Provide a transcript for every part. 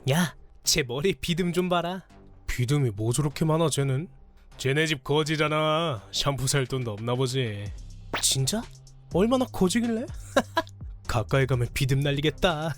야, 쟤 머리 비듬 좀 봐라. 비듬이 뭐 저렇게 많아 쟤는? 쟤네 집 거지잖아. 샴푸 살 돈도 없나 보지. 진짜? 얼마나 거지길래? 가까이 가면 비듬 날리겠다.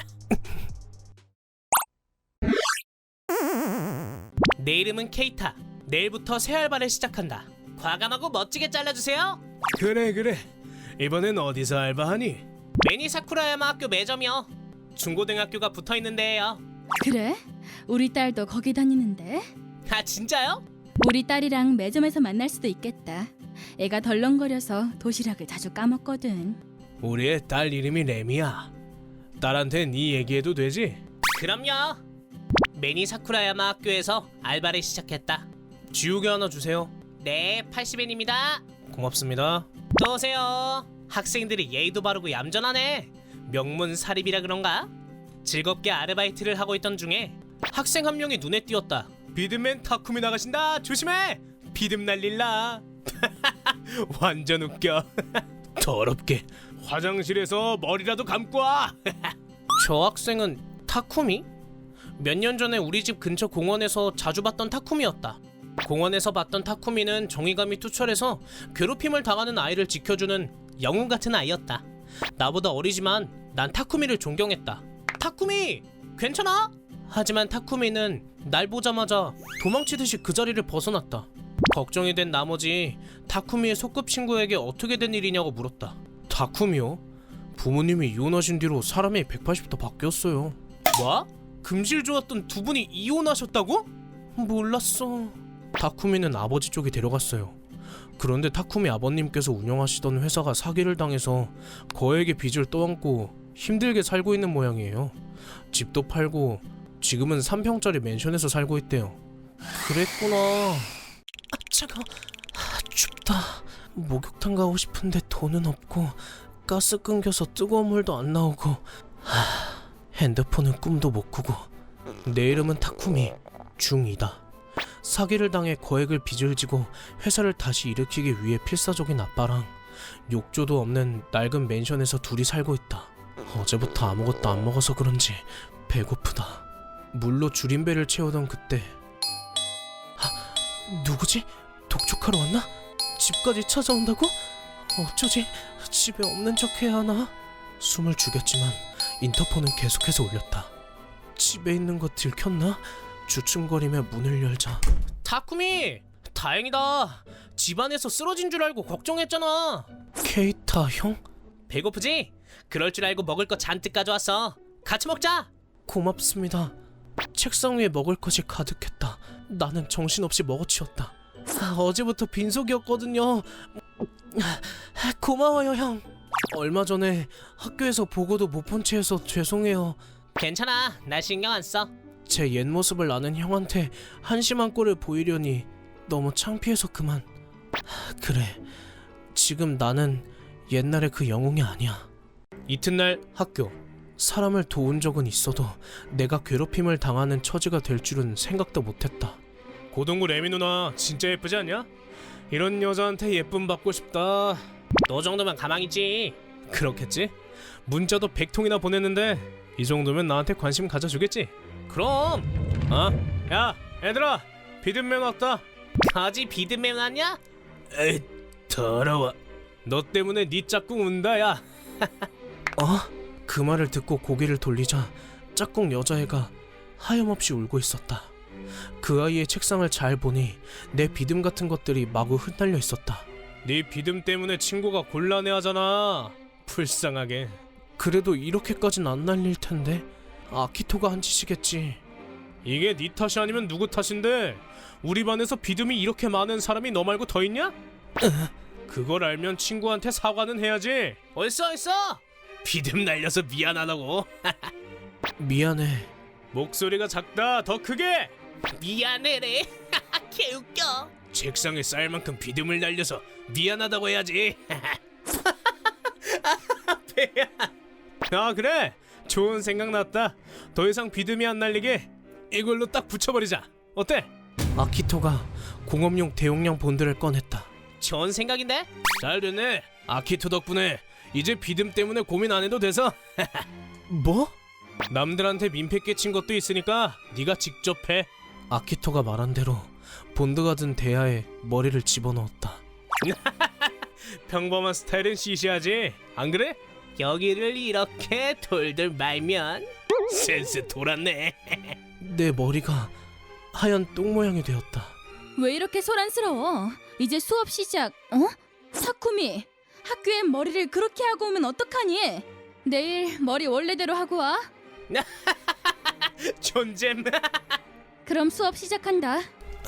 내 이름은 케이타. 내일부터 새 알바를 시작한다. 과감하고 멋지게 잘라주세요. 그래. 이번엔 어디서 알바하니? 매니 사쿠라야마 학교 매점이요. 중고등학교가 붙어있는 데예요. 그래? 우리 딸도 거기 다니는데? 아 진짜요? 우리 딸이랑 매점에서 만날 수도 있겠다. 애가 덜렁거려서 도시락을 자주 까먹거든. 우리의 딸 이름이 레미야. 딸한테 네 얘기해도 되지? 그럼요. 매니 사쿠라야마 학교에서 알바를 시작했다. 지우개 하나 주세요. 네, 80엔입니다. 고맙습니다. 또 오세요. 학생들이 예의도 바르고 얌전하네. 명문사립이라 그런가? 즐겁게 아르바이트를 하고 있던 중에 학생 한 명이 눈에 띄었다. 비듬맨 타쿠미 나가신다. 조심해. 비듬 날릴라. 완전 웃겨. 더럽게 화장실에서 머리라도 감고 와. 저 학생은 타쿠미? 몇 년 전에 우리 집 근처 공원에서 자주 봤던 타쿠미였다. 공원에서 봤던 타쿠미는 정의감이 투철해서 괴롭힘을 당하는 아이를 지켜주는 영웅 같은 아이였다. 나보다 어리지만 난 타쿠미를 존경했다. 타쿠미! 괜찮아? 하지만 타쿠미는 날 보자마자 도망치듯이 그 자리를 벗어났다. 걱정이 된 나머지 타쿠미의 소꿉친구에게 어떻게 된 일이냐고 물었다. 타쿠미요? 부모님이 이혼하신 뒤로 사람이 180도 바뀌었어요. 뭐? 금실 좋았던 두 분이 이혼하셨다고? 몰랐어. 타쿠미는 아버지 쪽이 데려갔어요. 그런데 타쿠미 아버님께서 운영하시던 회사가 사기를 당해서 거액의 빚을 떠안고 힘들게 살고 있는 모양이에요. 집도 팔고 지금은 3평짜리 맨션에서 살고 있대요. 그랬구나. 아 차가워. 춥다. 목욕탕 가고 싶은데 돈은 없고 가스 끊겨서 뜨거운 물도 안 나오고 핸드폰은 꿈도 못 꾸고. 내 이름은 타쿠미. 중2다. 사기를 당해 거액을 빚을 지고 회사를 다시 일으키기 위해 필사적인 아빠랑 욕조도 없는 낡은 맨션에서 둘이 살고 있다. 어제부터 아무것도 안 먹어서 그런지 배고프다. 물로 줄임배를 채우던 그때 누구지? 독촉하러 왔나? 집까지 찾아온다고? 어쩌지? 집에 없는 척 해야 하나? 숨을 죽였지만 인터폰은 계속해서 울렸다. 집에 있는 거 들켰나? 주춤거리며 문을 열자. 타쿠미! 다행이다. 집안에서 쓰러진 줄 알고 걱정했잖아. 케이타 형? 배고프지? 그럴 줄 알고 먹을 거 잔뜩 가져왔어. 같이 먹자. 고맙습니다. 책상 위에 먹을 것이 가득했다. 나는 정신없이 먹어치웠다. 어제부터 빈속이었거든요. 고마워요 형. 얼마 전에 학교에서 보고도 못 본 채해서 죄송해요. 괜찮아. 날 신경 안 써. 제 옛 모습을 아는 형한테 한심한 꼴을 보이려니 너무 창피해서 그만. 그래, 지금 나는 옛날의 그 영웅이 아니야. 이튿날 학교. 사람을 도운 적은 있어도 내가 괴롭힘을 당하는 처지가 될 줄은 생각도 못했다. 고동구 레미 누나 진짜 예쁘지 않냐? 이런 여자한테 예쁨 받고 싶다. 너 정도면 가망이지. 그렇겠지? 문자도 100통이나 보냈는데 이 정도면 나한테 관심 가져주겠지? 그럼. 야 얘들아, 비듬맨 왔다. 아직 비듬맨 왔냐? 에이 더러워. 너 때문에 네 짝꿍 운다 야. 그 말을 듣고 고개를 돌리자 짝꿍 여자애가 하염없이 울고 있었다. 그 아이의 책상을 잘 보니 내 비듬 같은 것들이 마구 흩날려 있었다. 네 비듬 때문에 친구가 곤란해하잖아. 불쌍하게. 그래도 이렇게까진 안 날릴 텐데. 아키토가 한 짓이겠지. 이게 네 탓이 아니면 누구 탓인데? 우리 반에서 비듬이 이렇게 많은 사람이 너 말고 더 있냐? 그걸 알면 친구한테 사과는 해야지. 얼써 비듬 날려서 미안하다고. 미안해. 목소리가 작다. 더 크게. 미안해래. 개웃겨. 책상에 쌀 만큼 비듬을 날려서 미안하다고 해야지. 배야. 그래, 좋은 생각 났다. 더 이상 비듬이 안 날리게 이걸로 딱 붙여버리자. 어때? 아키토가 공업용 대용량 본드를 꺼냈다. 좋은 생각인데? 잘 됐네. 아키토 덕분에 이제 비듬 때문에 고민 안 해도 돼서. 뭐? 남들한테 민폐 끼친 것도 있으니까 네가 직접 해. 아키토가 말한 대로 본드가 든 대야에 머리를 집어넣었다. 평범한 스타일은 시시하지, 안 그래? 여기를 이렇게 돌돌 말면 센스 돌았네. 내 머리가 하얀 똥 모양이 되었다. 왜 이렇게 소란스러워? 이제 수업 시작. 어? 타쿠미, 학교엔 머리를 그렇게 하고 오면 어떡하니? 내일 머리 원래대로 하고 와. 존잼. 그럼 수업 시작한다.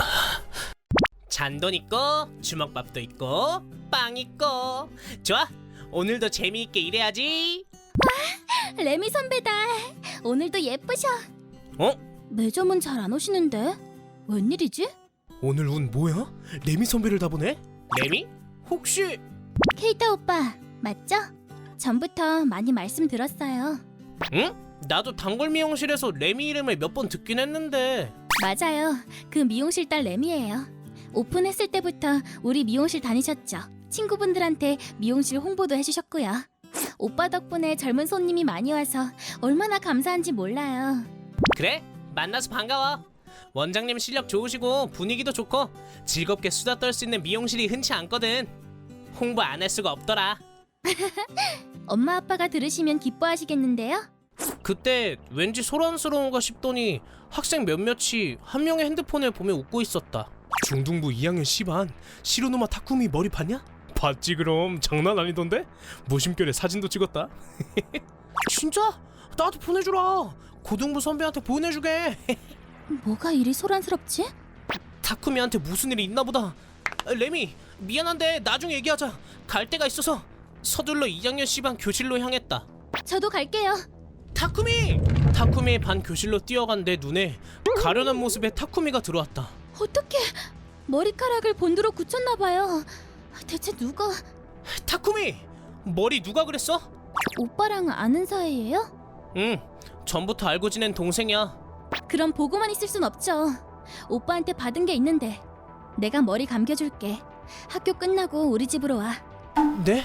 잔돈 있고 주먹밥도 있고 빵 있고. 좋아, 오늘도 재미있게 일해야지. 레미 선배다. 오늘도 예쁘셔. 어? 매점은 잘 안 오시는데 웬일이지? 오늘 운 뭐야? 레미 선배를 다 보네? 레미? 혹시... 케이타 오빠 맞죠? 전부터 많이 말씀 들었어요. 응? 나도 단골 미용실에서 레미 이름을 몇 번 듣긴 했는데. 맞아요. 그 미용실 딸 레미예요. 오픈했을 때부터 우리 미용실 다니셨죠. 친구분들한테 미용실 홍보도 해주셨고요. 오빠 덕분에 젊은 손님이 많이 와서 얼마나 감사한지 몰라요. 그래? 만나서 반가워. 원장님 실력 좋으시고 분위기도 좋고 즐겁게 수다 떨 수 있는 미용실이 흔치 않거든. 홍보 안 할 수가 없더라. 엄마 아빠가 들으시면 기뻐하시겠는데요? 그때 왠지 소란스러운가 싶더니 학생 몇몇이 한 명의 핸드폰을 보며 웃고 있었다. 중등부 2학년 10반 시로노마 타쿠미 머리 봤냐? 봤지 그럼. 장난 아니던데? 무심결에 사진도 찍었다. 진짜? 나도 보내주라. 고등부 선배한테 보내주게. 뭐가 이리 소란스럽지? 타쿠미한테 무슨 일이 있나 보다. 레미, 미안한데 나중에 얘기하자. 갈 데가 있어서. 서둘러 2학년 C반 교실로 향했다. 저도 갈게요. 타쿠미! 타쿠미의 반 교실로 뛰어간 내 눈에 가련한 모습의 타쿠미가 들어왔다. 어떡해. 머리카락을 본드로 굳혔나 봐요. 대체 누가... 타쿠미! 머리 누가 그랬어? 오빠랑 아는 사이예요? 응, 전부터 알고 지낸 동생이야. 그럼 보고만 있을 순 없죠. 오빠한테 받은 게 있는데. 내가 머리 감겨줄게. 학교 끝나고 우리 집으로 와. 네?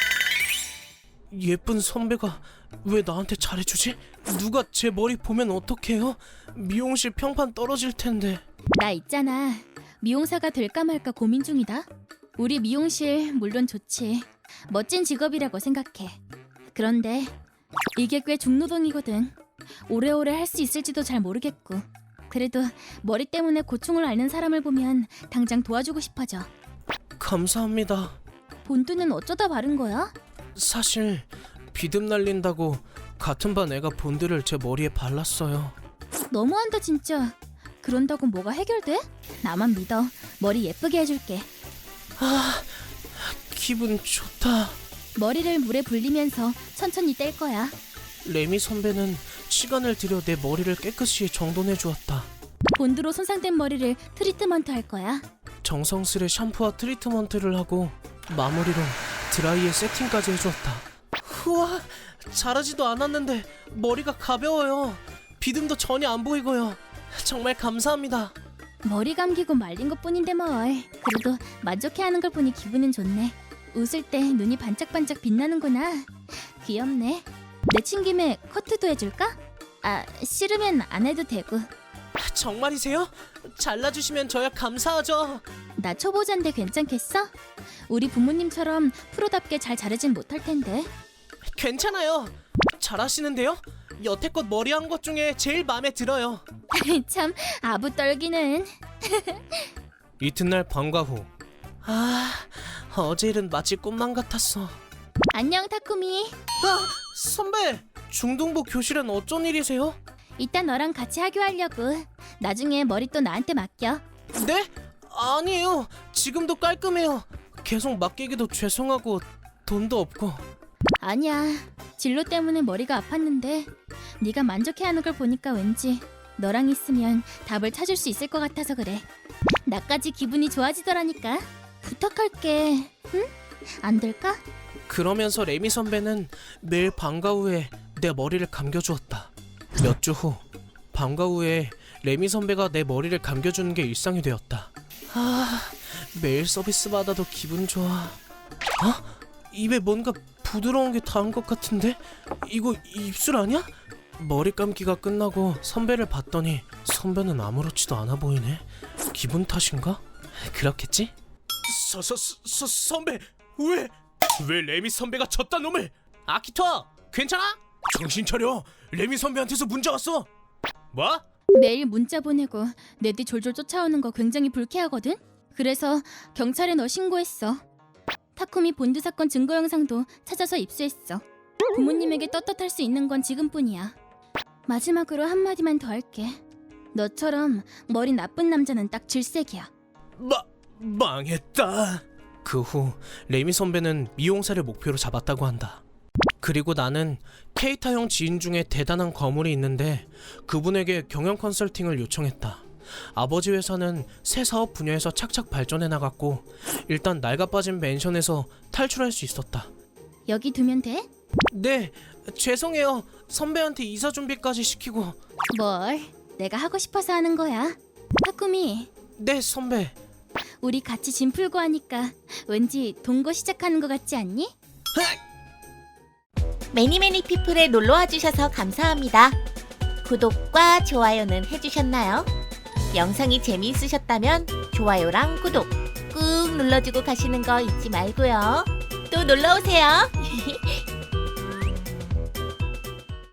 예쁜 선배가 왜 나한테 잘해주지? 누가 제 머리 보면 어떡해요? 미용실 평판 떨어질 텐데. 나 있잖아. 미용사가 될까 말까 고민 중이다. 우리 미용실 물론 좋지. 멋진 직업이라고 생각해. 그런데 이게 꽤 중노동이거든. 오래오래 할 수 있을지도 잘 모르겠고. 그래도 머리 때문에 고충을 앓는 사람을 보면 당장 도와주고 싶어져. 감사합니다. 본드는 어쩌다 바른 거야? 사실 비듬 날린다고 같은 반 애가 본드를 제 머리에 발랐어요. 너무한다 진짜. 그런다고 뭐가 해결돼? 나만 믿어. 머리 예쁘게 해줄게. 아, 기분 좋다. 머리를 물에 불리면서 천천히 뗄 거야. 레미 선배는 시간을 들여 내 머리를 깨끗이 정돈해 주었다. 본드로 손상된 머리를 트리트먼트 할 거야. 정성스레 샴푸와 트리트먼트를 하고 마무리로 드라이에 세팅까지 해주었다. 우와, 자라지도 않았는데 머리가 가벼워요. 비듬도 전혀 안 보이고요. 정말 감사합니다. 머리 감기고 말린 것뿐인데 뭘. 그래도 만족해하는 걸 보니 기분은 좋네. 웃을 때 눈이 반짝반짝 빛나는구나. 귀엽네. 내친 김에 커트도 해줄까? 아, 싫으면 안 해도 되고. 정말이세요? 잘라주시면 저야 감사하죠. 나 초보자인데 괜찮겠어? 우리 부모님처럼 프로답게 잘 자르진 못할 텐데. 괜찮아요. 잘하시는데요? 여태껏 머리한 것 중에 제일 마음에 들어요. 참 아부 떨기는. 이튿날 방과 후. 아, 어제 일은 마치 꿈만 같았어. 안녕 타쿠미. 선배! 중등부 교실엔 어쩐 일이세요? 이따 너랑 같이 하교하려고. 나중에 머리 또 나한테 맡겨. 네? 아니에요. 지금도 깔끔해요. 계속 맡기기도 죄송하고 돈도 없고. 아니야. 진로 때문에 머리가 아팠는데 네가 만족해하는 걸 보니까 왠지 너랑 있으면 답을 찾을 수 있을 것 같아서 그래. 나까지 기분이 좋아지더라니까. 부탁할게. 응? 안 될까? 그러면서 레미 선배는 매일 방과 후에 내 머리를 감겨주었다. 몇 주 후 방과 후에 레미 선배가 내 머리를 감겨주는 게 일상이 되었다. 아, 매일 서비스 받아도 기분 좋아. 어? 입에 뭔가 부드러운 게 닿은 것 같은데? 이거 입술 아니야? 머리 감기가 끝나고 선배를 봤더니 선배는 아무렇지도 않아 보이네. 기분 탓인가? 그렇겠지? 선배 왜 레미 선배가 졌다 놈을? 아키토 괜찮아? 정신 차려. 레미 선배한테서 문자 왔어. 뭐? 매일 문자 보내고 내 뒤 졸졸 쫓아오는 거 굉장히 불쾌하거든? 그래서 경찰에 너 신고했어. 타쿠미 본드 사건 증거 영상도 찾아서 입수했어. 부모님에게 떳떳할 수 있는 건 지금뿐이야. 마지막으로 한마디만 더 할게. 너처럼 머리 나쁜 남자는 딱 질색이야. 망했다. 그 후 레미 선배는 미용사를 목표로 잡았다고 한다. 그리고 나는 케이타 형 지인 중에 대단한 거물이 있는데 그분에게 경영 컨설팅을 요청했다. 아버지 회사는 새 사업 분야에서 착착 발전해 나갔고 일단 낡아빠진 맨션에서 탈출할 수 있었다. 여기 두면 돼? 네, 죄송해요. 선배한테 이사 준비까지 시키고. 뭘? 내가 하고 싶어서 하는 거야. 타쿠미, 네, 선배. 우리 같이 짐 풀고 하니까 왠지 동거 시작하는 거 같지 않니? 매니매니 피플에 놀러와 주셔서 감사합니다. 구독과 좋아요는 해주셨나요? 영상이 재미있으셨다면 좋아요랑 구독 꾹 눌러주고 가시는 거 잊지 말고요. 또 놀러오세요.